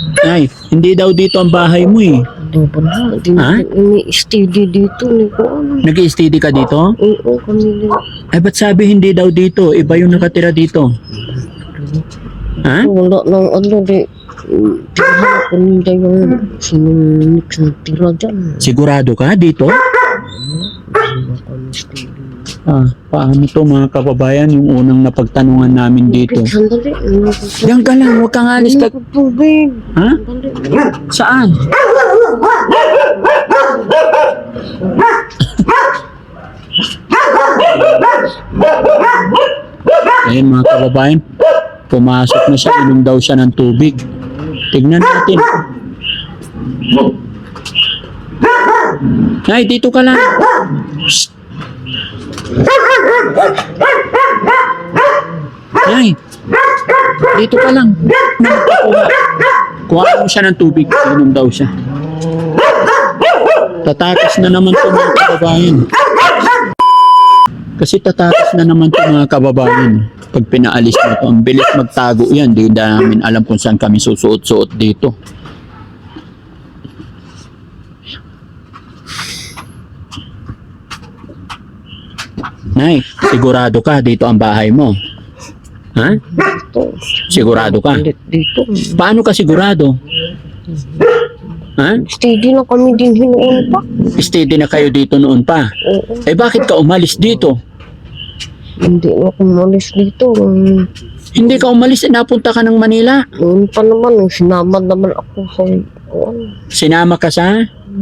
Ay, hindi daw dito ang bahay mo eh. Hindi ba na? Hindi Ha? may steady dito. Hindi ko alam. Nag-i-steady ka dito? Oo, kami din. Ay, ba't sabi hindi daw dito? Iba yung nakatira dito. Ha? Wala nang ano, di. Tirahan ko nila yung sinunod na tira dyan. Sigurado ka dito? Paano to mga kababayan yung unang napagtanungan namin dito? Sandali. Diyan ka lang, huwag kang alis ka. Tubig. Ha? Saan? Ayun mga kababayan, pumasok na siya, inom daw siya ng tubig. Tignan natin. Ay, dito ka lang. Shh. Ay, dito ka lang. Kuha mo siya ng tubig, inom daw siya. Tatakas na naman ito mga kababayan. Kasi tatakas na naman ito mga kababayan. Pag pinaalis mo ito, ang bilis magtago yan. Di namin alam kung saan kami susuot-suot dito. Nay, sigurado ka dito ang bahay mo? Ha? Sigurado ka? Dito. Paano ka sigurado? Ha? Steady na kami din hinuon pa. Steady na kayo dito noon pa. Oo. Eh bakit ka umalis dito? Hindi na ako malis dito. Hindi ka umalis, napunta ka ng Manila. Noon pa naman, sinama naman ako sa Sinama ka sa?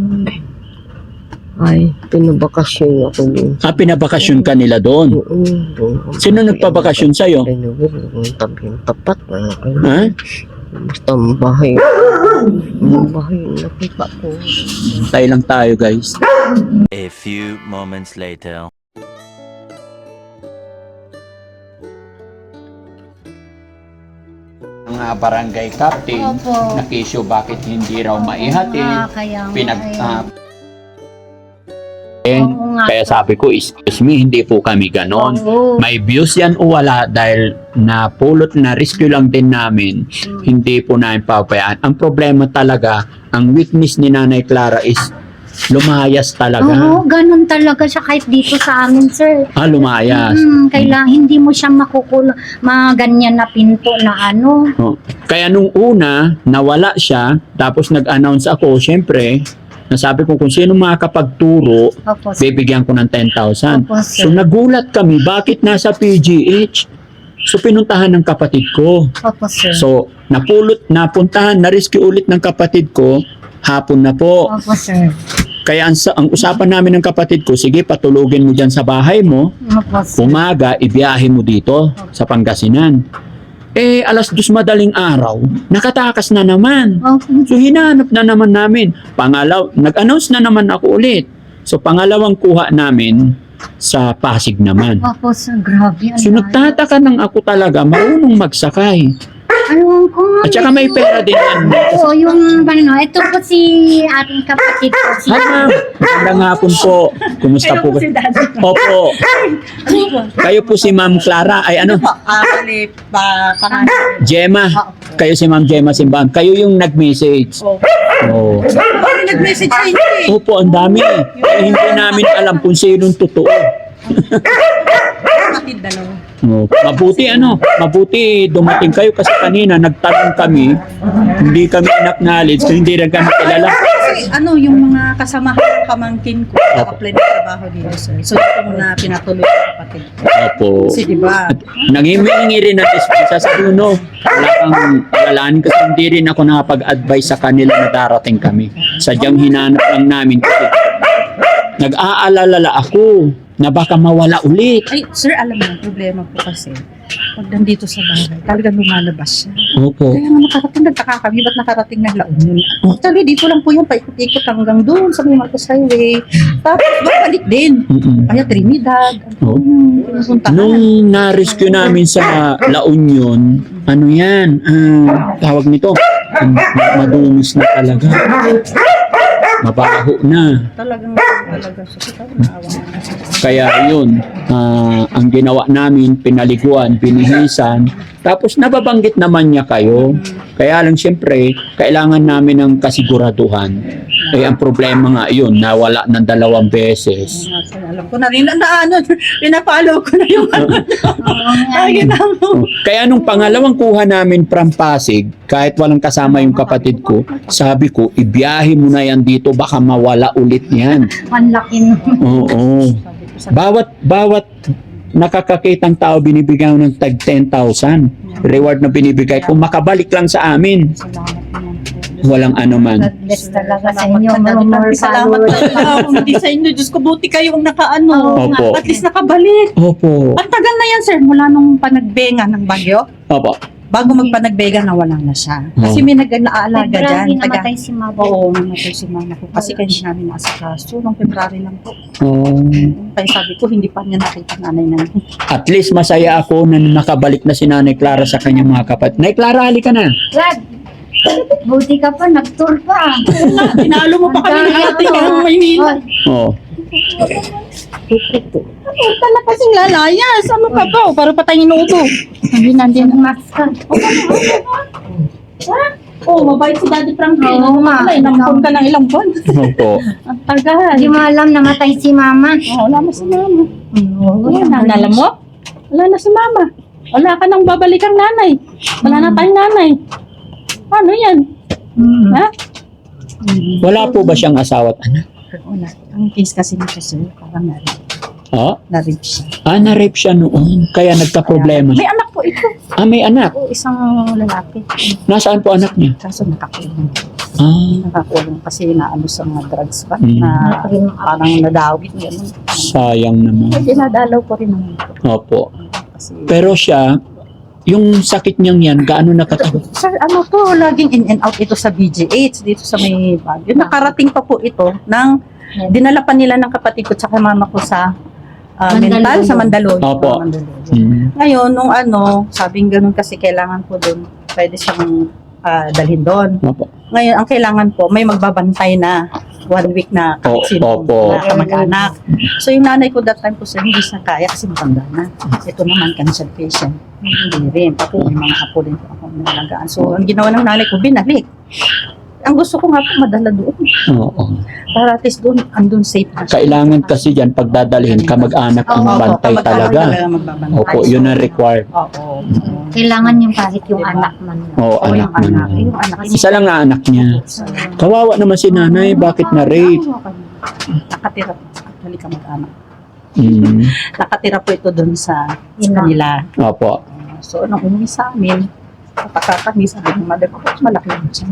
Ay, pinabakasyon ako din. Pinabakasyon ka nila doon. Sino nagpabakasyon sa'yo? Ay, yung tapat na ako. Ha? Basta ang bahay. Ang bahay, nakita ko. Tayo lang tayo guys. A few moments later. Mga barangay captain, Opo. nakisyo bakit hindi raw maihatid. Kaya Oo nga. Kaya sabi ko, excuse me, hindi po kami ganon. Oo. May views yan o wala dahil napulot na rescue lang din namin. Hindi po namin papayaan. Ang problema talaga, ang weakness ni Nanay Clara is lumayas talaga. Oo, ganun talaga siya kahit dito sa amin, sir. Lumayas. Kailangan hindi mo siya makukulong, mga ganyan na pinto na ano. Oh. Kaya nung una, nawala siya, tapos nag-announce ako, syempre, nasabi ko kung sino makakapagturo, Opo, sir. bibigyan ko ng 10,000. Opo, sir. So nagulat kami, bakit nasa PGH? So pinuntahan ng kapatid ko. Opo, sir. So napuntahan, na-rescue ulit ng kapatid ko, hapon na po. Opo, sir. Kaya ang usapan namin ng kapatid ko, sige patulugin mo dyan sa bahay mo, Opo, sir. umaga, ibiyahe mo dito sa Pangasinan. Eh, 2:00 madaling araw, nakatakas na naman. Opo, So, hinanap na naman namin. Nag-announce na naman ako ulit. So, pangalawang kuha namin sa Pasig naman. opo, sir. Grabe. So, nagtataka nang ako talaga, marunong magsakay. Ano ko nga. At saka may pera din yan. Oo, yung ano, ito po si ating kapatid ko. Si Hi, ma'am. Magandang hapon po. Kumusta po? Opo. Kayo po si Ma'am Clara. Ay, ano? Gemma. Kayo si Ma'am Gemma Simbahan. Kayo yung nag-message. Oo. Nag-message sa inyo eh. Opo, ang dami. Kaya hindi namin alam kung sinong totoo. Kapatid dalawa. Mabuti dumating kayo kasi kanina nagtanong kami, hindi kami acknowledge, so hindi rin kami kilala. Kasi yung mga kasamahan pamangkin ko, naka-apply na trabaho dito, sir. So ito muna pinatuloy ng kapatid ko. Opo. Kasi diba, Nanghihingi rin ng dispensa sa no. Wala kang alalahanin kasi hindi rin ako nakapag-advise sa kanila na darating kami. Sadyang hinanap lang namin kasi nag-aalala ako na baka mawala ulit. ay sir, alam mo, ang problema po kasi, pag nandito sa bahay, talagang lumalabas siya. Opo. Kaya nga nagtaka kami, ba't nakarating ng La Union? Actually, dito lang po yan, paikot-ikot hanggang doon sa may Marcos Highway. Tapos, babalik din. Kaya Trinidad, Oh. pinupuntahan. Nung na-rescue namin sa La Union, ano yan, tawag nito, madumis na talaga. Mabaho na. Talagang sakit, naawa na. Kaya yun, ang ginawa namin, pinaliguan, binihisan, Tapos nababanggit naman niya kayo. Kaya lang siyempre, kailangan namin ng kasiguraduhan. Eh, ang problema nga yun, nawala ng 2 beses. Alam ko na rin na ano, pinapalo ko na yung ano. Ay, mo. Kaya nung pangalawang kuha namin from Pasig, kahit walang kasama yung kapatid ko, sabi ko, ibiyahe mo na yan dito, baka mawala ulit yan. Manlakin. Oo. Bawat nakakakitang tao binibigyan ng tag 10,000. Reward na binibigay ko, makabalik lang sa amin. Walang ano man. Bless talaga sa inyo. More Salamat followers. talaga. Hindi sa inyo. Diyos ko, buti kayong nakaano. Opo. At least nakabalik. Opo. Ang tagal na yan, sir. Mula nung panagbenga ng bagyo. Opo. Bago magpanagbega, nawala na siya. Kasi may nag-aalaga dyan. February namatay si mama. Oo, namatay si mama ko. Kasi kaya hindi namin naasikaso. Nung February lang po. Oh. Kaya sabi ko, hindi pa niya nakita nanay namin. At least masaya ako na nakabalik na si Nanay Clara sa kanyang mga kapatid. Nay Clara, halika na. Vlad, buti ka pa, nag-tour pa. Tinalo mo pa kami ng ating ang Maynila. Oh. Tala kasing lalayas. Ano ka ba? Para patay inuubo. Hindi nandiyan ang Max ka. Oh, mabait si Daddy Frankie. Oo, ma. Nampun ka ng ilang buwan. Opo. Ang tagal. Hindi mo alam namatay si mama. Wala na si mama. Wala na. Alam mo? Wala na si mama. Wala ka nang babalikan nanay. Wala na tayong nanay. Paano yan? Ha? Wala po ba siyang asawa at anak? Wala. Ang case kasi nito sir, parang Oh? na-rape siya. Na-rape siya noon. Kaya nagka-problema May siya. anak po ito. May anak. O, isang lalaki. Nasaan po anak niya? Kaso nakakulong. Ah, Nakakulong kasi naano sa mga drugs pa. Mm. Na parang nadawit niya. sayang naman. May dinadalaw ko rin naman po. Opo. Kasi, Pero siya, yung sakit niyang yan, gaano nakatagal? sir, ano to, laging in and out ito sa BGH, dito sa may Baguio. Nakarating pa po ito ng, dinala pa nila ng kapatid ko tsaka mama ko sa mental, sa Mandaluyong. Opo. Mandaluyong. Hmm. Ngayon, nung ano, sabing ganun kasi kailangan ko doon, pwede siyang dalhin doon. Opo. Ngayon, ang kailangan po, may magbabantay na 1 week na sino opo. na kamag-anak. So, yung nanay ko that time po, sir, hindi siya kaya kasi matanda na. Ito naman, cancer patient. Hindi rin. Pati may mga apo din po ako nalagaan. So, ang ginawa ng nanay ko, binalik. Ang gusto ko nga po, madala doon. Oo. Para at least doon, andun safe na siya. Kailangan kasi dyan, pag dadalhin, kamag-anak ang Oo, bantay kamag-anak talaga. magbabantay. Opo, yun ang required. Oo. Kailangan yung kahit yung anak man. Oo, Oo, anak yung anak. man. Yung anak. Isa lang na anak niya. Kawawa naman si nanay, bakit na-rape? Nakatira po. Actually, kamag-anak. Mm. Nakatira po ito doon sa Ina. kanila. Opo. So, nung umuwi sa amin, kapag sabi ng mother ko, malaki lang siya.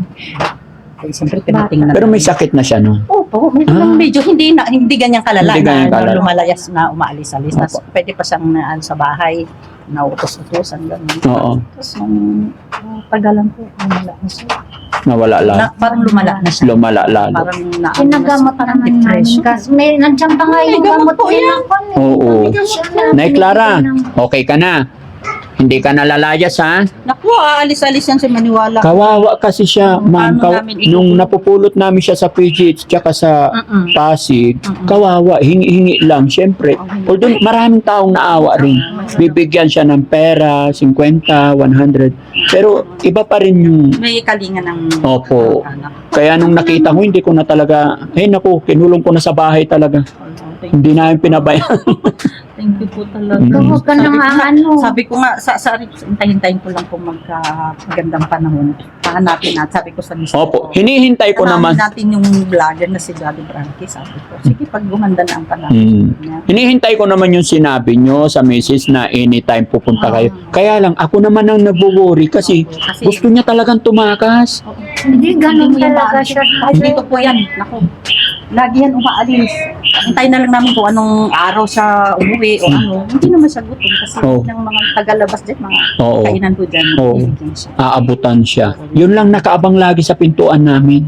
Kaya siyempre, tinatingnan. Pero may sakit na siya, no? Opo, Ah. medyo hindi ganyan kalala Hindi ganyan na kalala. lumalayas na umaalis-alis. Opo. Nas, pwede pa siyang sa bahay, nautos-utosan, gano'n. Oo. Tapos nung tagalan po, lumala na siya. Nawala lang. Parang lumala na siya. Lumala lalo. Parang Pinagamot parang naman namin. depression. Kasi may nandiyan pa nga May yung gamot gamot po din yan. ako. Oo. Siya Nay Clara, binibigyan ng- okay ka na? Hindi ka nalalayas, ha? Naku, aalis-alis yan si Maniwala. Kawawa kasi siya, ma'am. Paano namin Nung napupulot namin siya sa PGH tsaka sa Mm-mm. Pasig, kawawa, hingi-hingi lang, syempre. Although maraming taong naawa rin. Bibigyan siya ng pera, 50, 100. Pero iba pa rin yung... May kalinga ng Opo. anak. Kaya nung nakita ko, hindi ko na talaga... naku, kinulong ko na sa bahay talaga. Hindi namin pinabayaan. Thank you po talaga. Mm. Huwag ka nang ano. Sabi ko nga, hintayin ko lang kung magkagandang panahon. Pahanapin natin. Sabi ko sa mister Opo, ko. hinihintay ko naman. Natin yung vlogger na si Daddy Frankie. Sabi ko, sige, pag gumanda na ang panahon. niya. Hinihintay ko naman yung sinabi nyo sa misis na anytime pupunta kayo. Kaya lang, ako naman ang nagwo-worry kasi Kasi, gusto niya talagang tumakas. Hindi ganun Hindi mo yan talaga maalis. siya. Kahit dito po yan. Naku, lagi yan umaalis. Hintayin na lang namin kung anong araw siya umuwi o ano. Hindi naman siya gutom kasi Oh. ng mga tagalabas dyan, mga Oo. kainan po dyan. Oo. Bibigyan siya. Aabutan siya. Yun lang nakaabang lagi sa pintuan namin.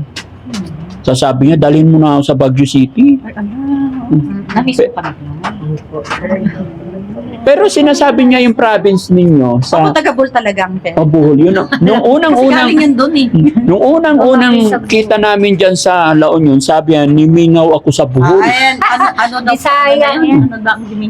Sasabi niya, dalhin mo na ako sa Baguio City. Ay, ano? Namiss ko pa na. Pero sinasabi niya yung province ninyo Ako sa taga-Bul talaga ang pera. Bohol. Yun, nung Kasi unang-unang galing yun doon eh. Nung unang-unang kita namin dyan sa La Union, sabi niya, nimingaw ako sa Bohol. Ayan, ano daw Bisaya ano yan. Ano daw ang dimingaw?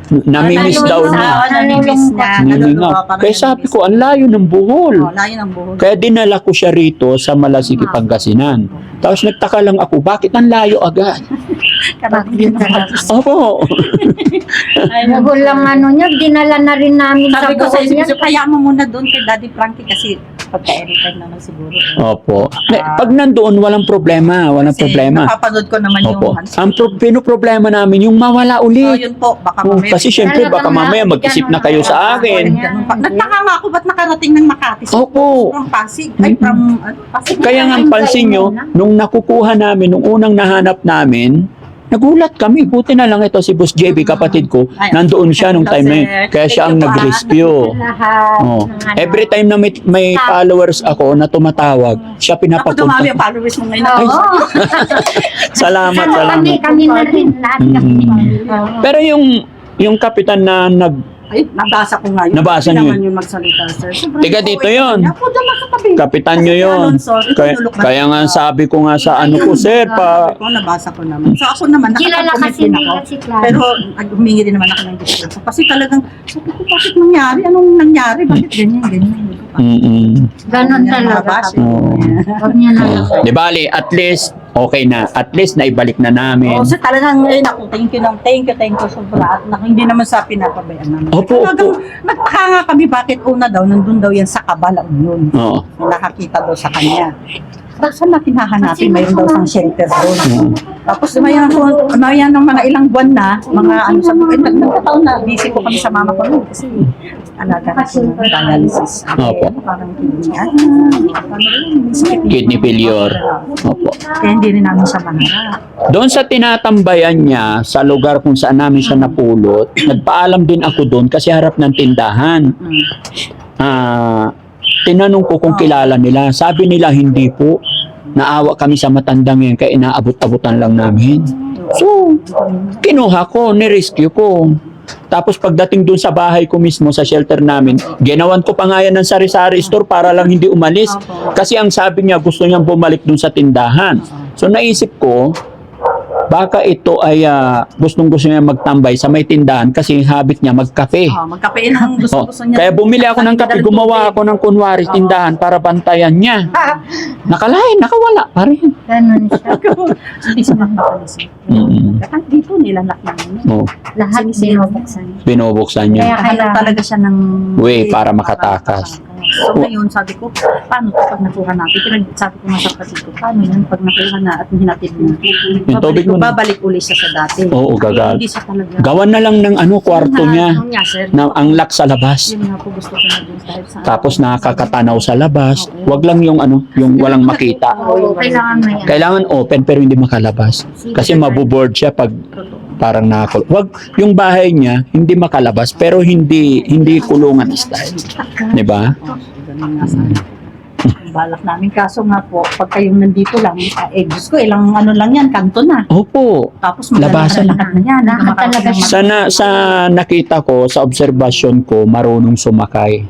namimiss daw niya. Namimiss na. Nilingaw. Kaya sabi ko, ang layo ng Bohol. Layo ng buhol. Kaya dinala ko siya rito sa Malasiki, Pangasinan. Tapos nagtaka lang ako, bakit ang layo agad? Karating na. Opo. Bohol lang ano niya, dinala na rin namin sa Sabi ko sa Bohol isip yan. ko, kaya mo muna doon kay Daddy Frankie kasi pagka-anytime naman siguro. Opo. Pag nandoon, walang problema. Walang Kasi problema. napapanood ko naman Opo. yung... Ang pinoproblema namin, yung mawala Oh, ulit. yun po, baka Oh, mamaya. kasi syempre, baka mamaya mag-isip na kayo sa akin. Ganun pa. Nagtaka nga ako, ba't nakarating ng Makati? Opo. From Pasig. Ay, from Pasig. Kaya nga pansin nyo, nung nakukuha namin, nung unang nahanap namin, nagulat kami. Buti na lang ito si Boss JB, kapatid ko. Ay, Nandoon siya nung time na yun. sir. Kaya siya ang Thank you, nag-rescue. Lahat Oh. ng ano. Every time na may followers ako na tumatawag, siya Ako dumami pinapapunta. ang followers mo ngayon. Ay, Oo. Salamat, salamat. Kami na rin lahat kami. Mm. Pero yung kapitan na Ay, nabasa ko nga yun. Nabasa Hindi niyo naman yung magsalita, sir. Sobrang Tiga po, dito eh. yun. Ako dyan lang sa tabi. kapitan nyo Kasi yun. Alonso, Kaya, itinulok na kaya nga siya. sabi ko nga sa ano ko, sir, pa, Ako, nabasa ko naman. So ako naman, Kilala nakapag-comment kasi din nila ako. si Clara. Pero humingi din naman ako ng dispensa. Kasi talagang, sabi ko, bakit nangyari? Anong nangyari? Bakit ganyan? Ganon talaga. Oo. Huwag niya na. Di bali, at least, okay na. At least, naibalik na namin. Oo, so talagang, naku, thank you, sobra. At hindi naman sa pinapabayaan namin. Opo, Talagang, opo. nagtaka nga kami bakit una daw, nandun daw yan sa Kabala Union. Oo. Nakakita daw sa kanya. Saan natin hahanapin? Mayroon daw sang shelter doon. Oo. Tapos mayan ng mga ilang buwan na, mga ano sa nagkataon na, busy po kami sa mama ko nun kasi alaga na po ng dialysis. Opo. Parang Kidney failure. Opo. Kaya hindi rin namin siya maharap. Doon sa tinatambayan niya, sa lugar kung saan namin siya napulot, nagpaalam din ako doon kasi harap ng tindahan. Tinanong ko kung kilala nila. Sabi nila, hindi po. Naawa kami sa matandang yan, kaya inaabot-abutan lang namin. So, kinuha ko, nirescue ko. Tapos pagdating dun sa bahay ko mismo, sa shelter namin, ginawan ko pa nga yan ng sari-sari store para lang hindi umalis. Kasi ang sabi niya, gusto niyang bumalik dun sa tindahan. So naisip ko, baka ito ay gustong-gusto niya magtambay sa may tindahan kasi habit niya magkape. Magkapein ang Oh, gusto niya. kaya bumili ako ng kape, gumawa ako ng kunwari tindahan para bantayan niya. Nakalain, nakawala pa rin. Ganon siya. Hindi siya magpapalis. Kahit dito nilalak namin. Oh, Lahat binubuksan. binubuksan niya. Kaya Kaya talaga siya ng Way para makatakas. So ngayon sabi ko, paano to pag nakuha natin? Sabi ko nga sa kapatid ko, paano yan pag nakuha na at hinatid mo? Yung tubig mo na. Babalik uli siya sa dati. Oo, gagag. Hindi siya talaga. Gawan na lang ng kwarto niya. Yun nga, sir. Na ang lock sa labas. Yun nga po gusto ko na dun dahil sa... Tapos nakakatanaw sa labas. Wag lang yung yung walang makita. Oo, kailangan mo yan. Kailangan open pero hindi makalabas. Kasi mabuboard siya pag parang nakakul. Wag yung bahay niya hindi makalabas pero hindi kulungan style. 'Di ba? Ganun nga sana. Ang balak namin. Kaso nga po, pag kayong nandito lang, Diyos ko, ilang ano lang yan, kanto na. Opo. Tapos Labasan. maglalakad na yan. Lahat talaga siya. Sa nakita ko, sa obserbasyon ko, marunong sumakay.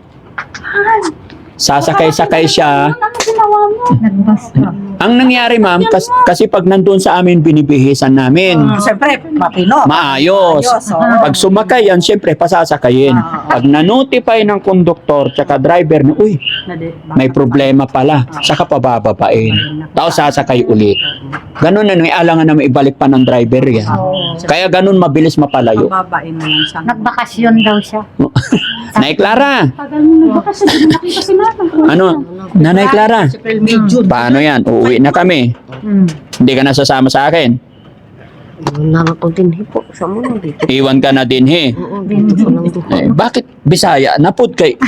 Sasakay-sakay siya. Ano ginawa mo? Nagbasta. Ang nangyari ma'am, kasi pag nandun sa amin, binibihisan namin. Siyempre, mapino. Maayos. Oo. Pag sumakay yan, siyempre pasasakayin. Pag na-notify ng konduktor tsaka driver na, uy, may problema pala, saka pabababain. Tapos sasakay ulit. Ganun na, may alangan na may ibalik pa ng driver yan. Kaya ganun mabilis mapalayo. Pababain mo lang siya. Nagbakasyon daw siya. Nay Clara, Tagal mo nagbakasyon, hindi mo nakita si mama. ano? Nanay Clara, April, May, June. paano yan? Uuwi na kami. Hindi ka na sasama sa akin. Wala nga akong tinhi po sa mga dito. Iwan ka na din, he. Oo, dito ko lang doon. Bakit Bisaya? Napod kay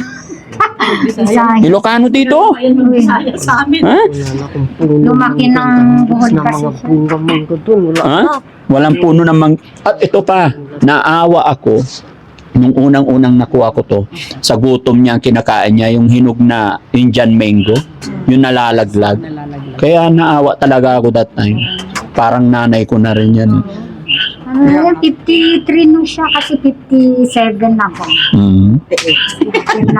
Isa. Ilocano dito? Ayun yung Bisaya sa amin. Ha? Wala na akong puno. Lumaki ng buhol na kasi mga siya. puno man ko doon. Wala Ha? na. Walang puno namang... At ito pa, naawa ako nung unang-unang nakuha ko to. Sa gutom niya, kinakain niya yung hinog na Indian mango, yung nalalaglag. Kaya naawa talaga ako that time. Parang nanay ko na rin yan. Ano yan, 53 nung siya kasi 57 ako. Mm. 59.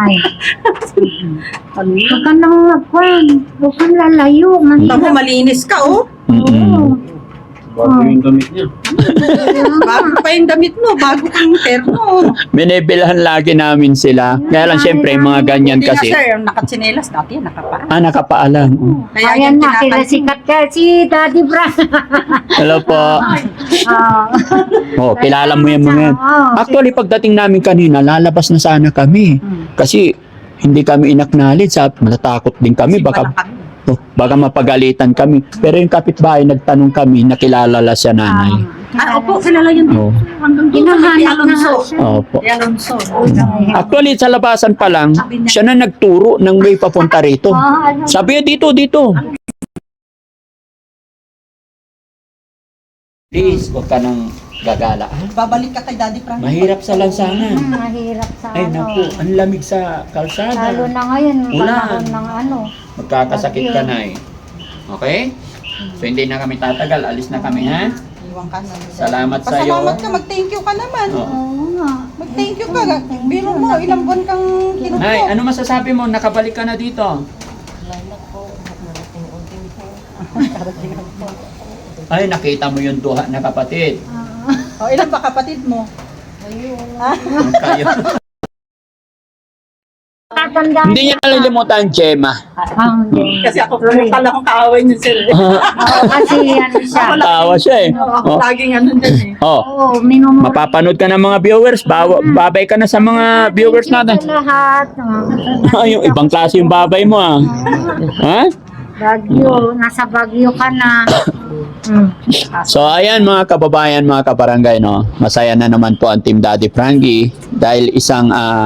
Huwag ka nang magkwan. Huwag kang lalayo. Tamo, malinis ka, oh. Mm-mm. Bago yung damit niya. Bago pa yung damit mo, bago kang terno. Binibilhan lagi namin sila. Kaya lang siyempre mga ganyan Hindi kasi. nga sir, nakatsinelas dati yan, nakapaan. Nakapaalam. Kaya Ayan yan na, sila tinatansin. sikat ka si Daddy Frank. Hello po. Ah. Oh, kilala mo yung mga yan. Actually, pagdating namin kanina, lalabas na sana kami. Kasi hindi kami inacknowledge. Matatakot din kami. Baka, baka mapagalitan kami. Pero yung kapitbahay, nagtanong kami, nakilala la siya nanay. Opo, kilala yun. Oh. Hanggang doon kay Hinahanap na Alonso. nga siya. Opo. Kay Alonso. Actually, sa labasan pa lang, siya na nagturo ng way papunta rito. Sabi niya, dito. Please, huwag ka nang gagala. Babalik ka kay Daddy Frank. Mahirap sa lansangan. Mahirap sa Ay, naku, ang lamig sa Lalo kalsada. na ngayon, Ulan. panahon ng ano. Magkakasakit ka na eh. Okay? So, hindi na kami tatagal. Alis na kami, ha? Iwan ka na. Salamat sa iyo. Pasalamat ka, mag-thank you ka naman. Oo. Oo nga. Mag-thank you ka. Biro mo, ilang buwan kang kinupo. Nay, ano masasabi mo? Nakabalik ka na dito. Ay, nakita mo yung duha na kapatid. O, ilan ba kapatid mo? Ang kayo. Tatanda. Hindi niya nalilimutan, Gemma. Hindi. Kasi ako, pala akong kaaway niyo sir. Kasi ano siya. Tawa siya eh. Ako Oh. laging ano din eh. Oh. Oo, minumura. Mapapanood ka ng mga viewers. Babay ka na sa mga viewers natin. Sa lahat. Yung ibang klase yung babay mo ah. Ha? Bagyo, nasa Bagyo ka na. So ayan mga kababayan, mga kabarangay, no. Masaya na naman po ang Team Daddy Frankie dahil isang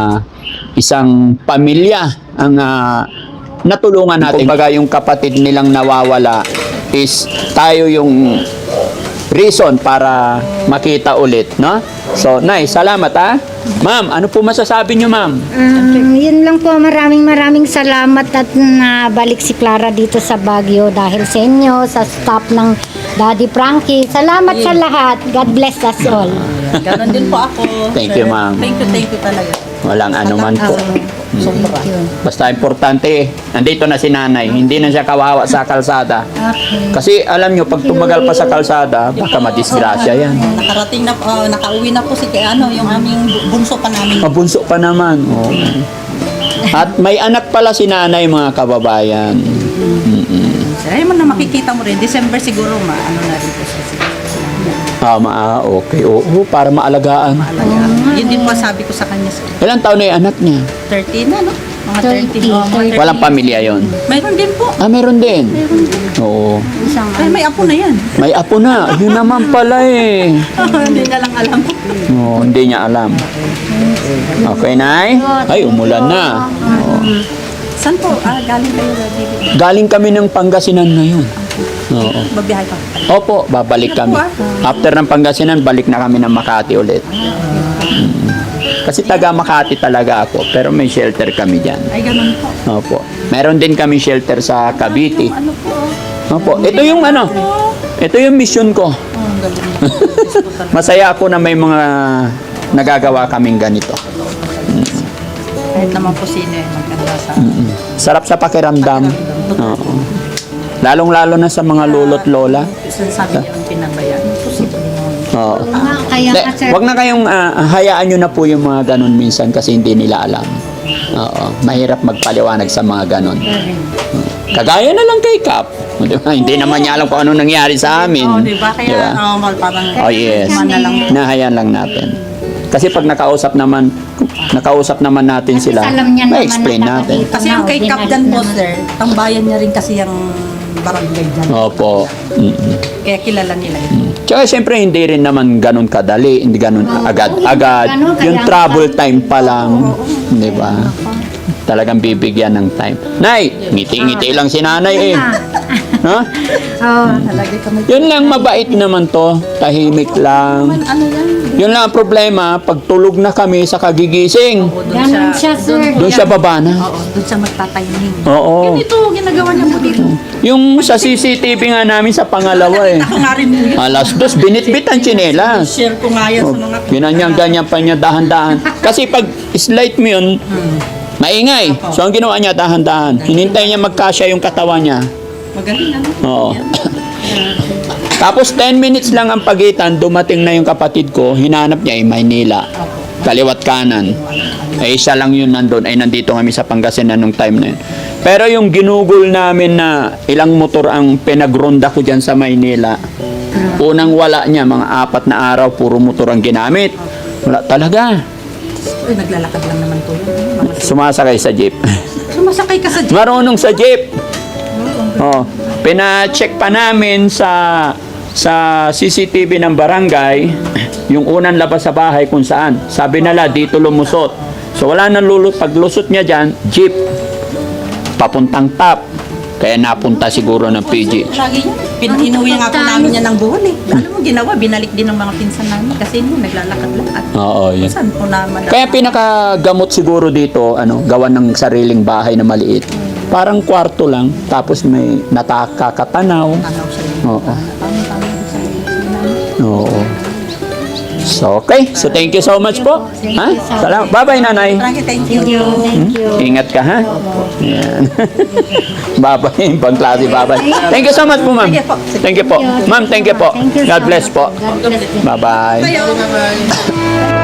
pamilya ang natulungan natin. Kumbaga yung kapatid nilang nawawala is tayo yung reason para makita ulit, no? So, Nay, salamat ha. Ma'am, ano po masasabi niyo, ma'am? Yun lang po, maraming salamat at nabalik si Clara dito sa Baguio dahil sa inyo, sa staff ng Daddy Frankie. Salamat sa lahat. God bless us all. Ganon din po ako. Thank sir. you, ma'am. Thank you talaga. Walang anuman po. Sobra. Basta importante, nandito na si nanay. Hindi na siya kawawa sa kalsada. Kasi alam nyo, pag tumagal pa sa kalsada, baka madisgrasya yan. Nakarating na po, nakauwi na po si yung aming bunso pa namin. Mabunso pa naman. Oo. At may anak pala si nanay, mga kababayan. Ayun mo na makikita mo rin. December siguro ano na rin po siya. Okay. Oo, para maalagaan. Yun din po sabi ko sa kanya. Sir. Ilang taon na yung anak niya? 13 na, no? Mga 30. 30. Oh, mga 30. Walang pamilya yon. Mayroon din po. Meron din. Oo. Ay, may apo na yan. May apo na. Yun naman pala eh. Hindi na lang alam. Oo, hindi niya alam. Okay, Nay? Ay, umulan na. Saan po? Galing kayo na Galing kami ng Pangasinan ngayon. Oo. Babiyahe pa. Opo, babalik kami. After ng Pangasinan, balik na kami ng Makati ulit. Kasi taga Makati talaga ako, pero may shelter kami dyan. Ay, ganun po. Opo. Meron din kami shelter sa Cavite. Ano po? Opo. Ito yung ano, ito yung mission ko. Ang galing. Masaya ako na may mga nagagawa kaming ganito. Kahit naman po sino eh, maganda sa... Sarap sa pakiramdam. Oo. Lalong-lalo na sa mga lolo't lola. Sabi niya ang pinabayaan. Posible naman. Oo. Kaya De, nga, sir. wag na kayong hayaan nyo na po yung mga ganun minsan kasi hindi nila alam. Oo. Mahirap magpaliwanag sa mga ganun. Kagaya na lang kay Kap. Di ba? Hindi naman niya alam kung ano nangyari sa amin. Oo, di ba? Kaya Di ba? parang... Oh yes. na lang. Nahayaan lang natin. Kasi pag nakausap naman natin sila, alam niya naman ma-explain na natin. Kasi yung kay Captain po, sir, tambayan niya rin kasi yung barangay dyan. Opo. Kaya kilala nila ito. Tsaka siyempre hindi rin naman ganun kadali, hindi ganun agad-agad. ganun, Yung kaya- travel time pa lang, di ba? Talagang bibigyan ng time. Nay, ngiti-ngiti lang si nanay eh. Ha? Oh, Nalagay kami. Yun lang, mabait naman to. Tahimik lang. Ano yan? Yun lang ang problema, pag tulog na kami sa kagigising, Oo, ganun siya, sir. doon siya baba na. Oo, doon siya magtatiming. Oo. Ito, ginagawa niya po dito. Yung sa CCTV nga namin sa pangalawa eh. Ako nga rin po yun. Alas 2, binitbit ang tsinelas. Share ko nga yan sa mga... Ganyan pa niya dahan-dahan. Kasi pag slight mo yun, maingay. So ang ginawa niya dahan-dahan. Hinintay niya magkasya yung katawan niya. Magaling ano. Oo. Tapos 10 minutes lang ang pagitan, dumating na yung kapatid ko, hinanap niya ay Maynila. Kaliwat kanan. Ay isa lang yun nandun, ay nandito kami sa Pangasinan nung time na yun. Pero yung ginugol namin na ilang motor ang pinagronda ko dyan sa Maynila, unang wala niya, mga 4 na araw, puro motor ang ginamit. Wala talaga. Uy, naglalakad lang naman to yun. Mga Sumasakay sa jeep. sumasakay ka sa jeep. Marunong sa jeep. Oh, pina-check pa namin sa CCTV ng barangay yung unang labas sa bahay kung saan. Sabi nila dito lumusot. So wala nang paglusot niya diyan, jeep papuntang top. Kaya napunta siguro ng PG. Lagi niya. Inuwi nga po namin niya ng buwan eh. Alam mo, ginawa, binalik din ng mga pinsan namin kasi hindi naglalakad-lakad. Oo, yun. Saan po naman? Kaya pinakagamot siguro dito, gawa ng sariling bahay na maliit. Parang kwarto lang, tapos may nakakatanaw. Tanaw siya yun. Oo. Tama-tama yung sa Oo. So, okay. So, thank you so much po. Ha? Salamat. Bye-bye, nanay. Thank you. Thank you. Ingat ka, ha? Yan. Bye-bye. Pangklase, bye-bye. Thank you so much po, ma'am. Thank you po. Ma'am, thank you po. Thank you God so bless much. po. God bless you. Bye-bye. Bye.